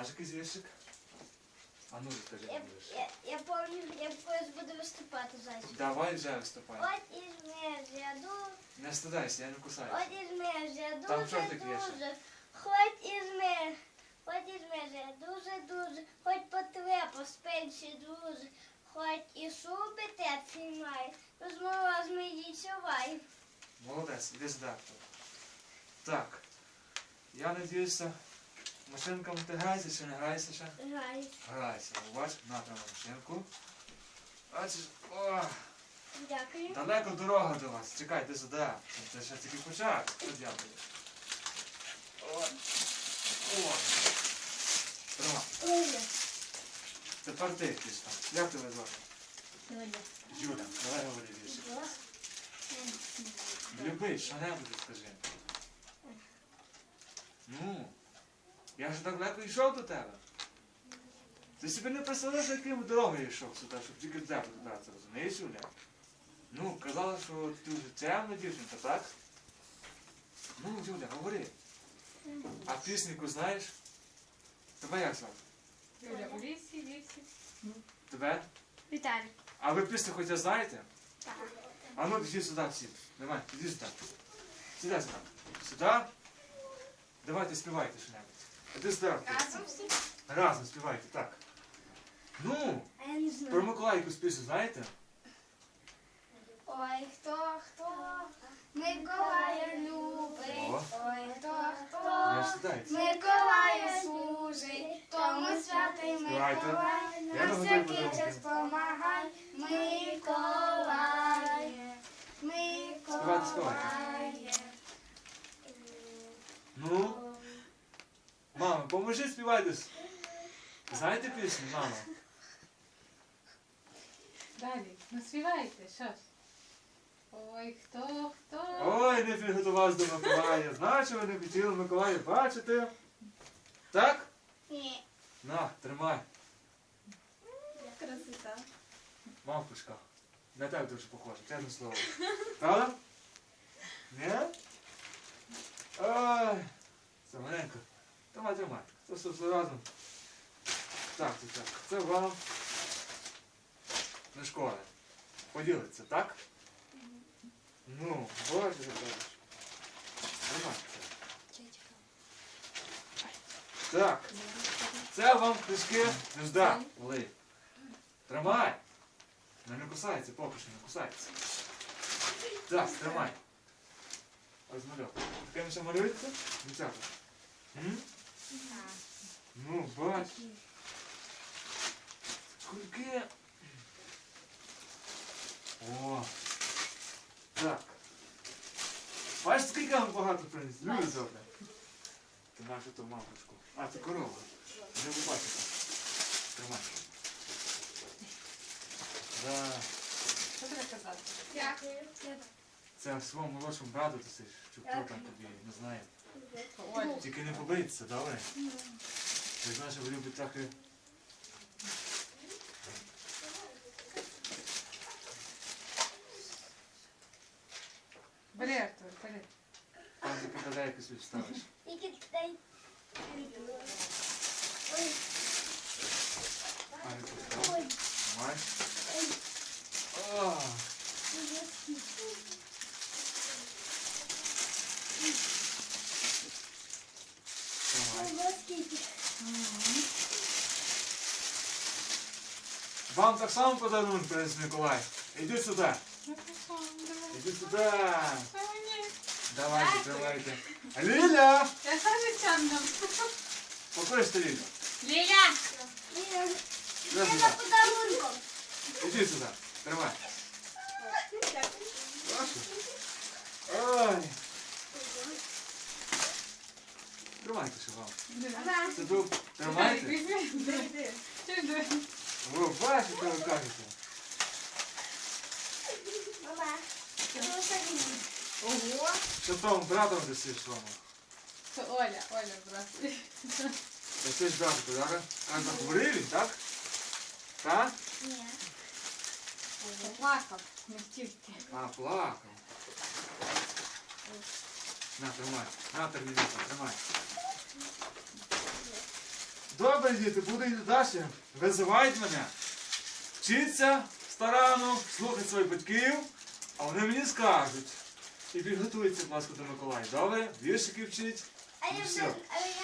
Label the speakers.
Speaker 1: Знаєш якийсь віршик? А ну розкажи мені віршик.
Speaker 2: Я пам'ятаю, я колись буду виступати, зайчик.
Speaker 1: Давай вже виступай.
Speaker 2: От із межя дуже,
Speaker 1: Не стидайся, я не кусаюся.
Speaker 2: от із межя
Speaker 1: Там що таке
Speaker 2: дуже, хоч із межя дуже, хоч потреба спенші дуже, хоч і шуби теплі має, розмова з мені чувай.
Speaker 1: Молодець, іди сюди. Так. Я надіюся, машинками ти граєшся чи не граєшся ще?
Speaker 2: Грай.
Speaker 1: Грайся. Бач, на там машинку. Бачиш, о,
Speaker 2: Дякую.
Speaker 1: далеко дорога до вас. Чекай, ти сюди. Це ще тільки початок. От дякую. О, о. Тримай.
Speaker 2: Оля.
Speaker 1: Тепер ти пішла. Як тебе звати?
Speaker 2: Оля.
Speaker 1: Юля, давай говори віршик. Любий, що-небудь скажи. Ну, я ж так легко йшов до тебе. Ти собі не представляєш, яким дорогою йшов сюди, щоб тільки до тебе додатися, розумієш, Юля? Ну, казала, що ти вже темна дівчинка, так? Ну, Юля, говори. А пісеньку знаєш? Тебе як звати?
Speaker 3: Юля, у лісі.
Speaker 1: Тебе?
Speaker 2: Віталій.
Speaker 1: А ви пісню хоча знаєте?
Speaker 2: Так.
Speaker 1: А ну, іди сюди всі. Давай, іди сюди. Сюди сюди. Сюди. Давайте співайте що-небудь. Іди сюди.
Speaker 3: Разом всі?
Speaker 1: Разом співайте, так. Ну,
Speaker 2: А я не знаю.
Speaker 1: про Миколайку пісню знаєте?
Speaker 2: Ой, хто Миколая любить,
Speaker 1: О.
Speaker 2: ой,
Speaker 1: Я
Speaker 2: хто
Speaker 1: ж сідайте.
Speaker 2: Миколая служить, тому святий
Speaker 1: Співайте.
Speaker 2: Миколай,
Speaker 1: Я
Speaker 2: на
Speaker 1: не
Speaker 2: всякий
Speaker 1: готовий
Speaker 2: час
Speaker 1: подумати.
Speaker 2: помагай, Миколає, Миколає.
Speaker 1: Ну, мама, поможи співайте. Знаєте пісню, мама?
Speaker 3: Далі, ну співайте, що ж. Ой, хто?
Speaker 1: Ой, не підготувався до Миколая. Значить, ви не хотіли Миколая бачити. Так?
Speaker 2: Ні.
Speaker 1: На, тримай.
Speaker 2: Красота.
Speaker 1: Мавпушка. На тебе дуже похоже, чесне слово. Правда? Ні? Ой, це маленько. Тримай. Це все разом. Так. Це вам на школи. Поділиться, так? Ну, боже, кажеш. Тримай це. Так. Це вам книжки Нежда. Оли. Тримай. Не кусається, поки що не кусається. Так, тримай. Ось малюк. Такими ще малюється? Дівчата? Ну, бач. Скільки. О. Так. Бачиш, скільки вам багато приніс? Люди добре. Ти маєш ту мамочку. А, це корова. Не побачите. Тримай. Да.
Speaker 3: Що треба казати?
Speaker 2: Дякую.
Speaker 1: Це своєму молодшому брату ти щоб хто там тобі не знає.
Speaker 3: Оля.
Speaker 1: Тільки не побийтеся, добре? Я знаю, що ви любите трохи.
Speaker 3: Бери, Артур, бери.
Speaker 1: Там ти попадайку собі вставиш.
Speaker 2: Тільки дай. Ой,
Speaker 1: А не постав.
Speaker 2: ой,
Speaker 1: Тримай.
Speaker 2: ой.
Speaker 1: О, тримай.
Speaker 2: Ой, скільки.
Speaker 1: Вам так само подарунок приніс Миколай. Іди сюди. Іди сюди. Давайте. Ліля!
Speaker 3: Я саме чамно.
Speaker 1: Покличте Лілю.
Speaker 3: Ліля!
Speaker 2: Ліля,
Speaker 1: Іди
Speaker 2: я
Speaker 1: сюди.
Speaker 2: за подарунком.
Speaker 1: Іди сюди. Тримай. Бачиш? Ой. Тримайте ще вам.
Speaker 2: Ага.
Speaker 1: Це тут. Тримайте.
Speaker 3: Візьми. Чудо.
Speaker 1: Ви бачите, що ви кажете?
Speaker 2: Мама, це садимо.
Speaker 1: Ого. Що тому братом досиш своєму?
Speaker 3: Це Оля, брат.
Speaker 1: Це ж брат, так? А захворів він, так? Так?
Speaker 2: Ні.
Speaker 3: Плакав, не втівки.
Speaker 1: А, плакав. На, тримай. На, термінатор, тримай. Добре, діти, буду йти далі. Визивають мене. Вчиться старанно, слухати своїх батьків, а вони мені скажуть. І підготуються, будь ласка, до Миколая. Добре? Віршики вчить.
Speaker 2: А
Speaker 1: І
Speaker 2: я
Speaker 1: все.
Speaker 2: вже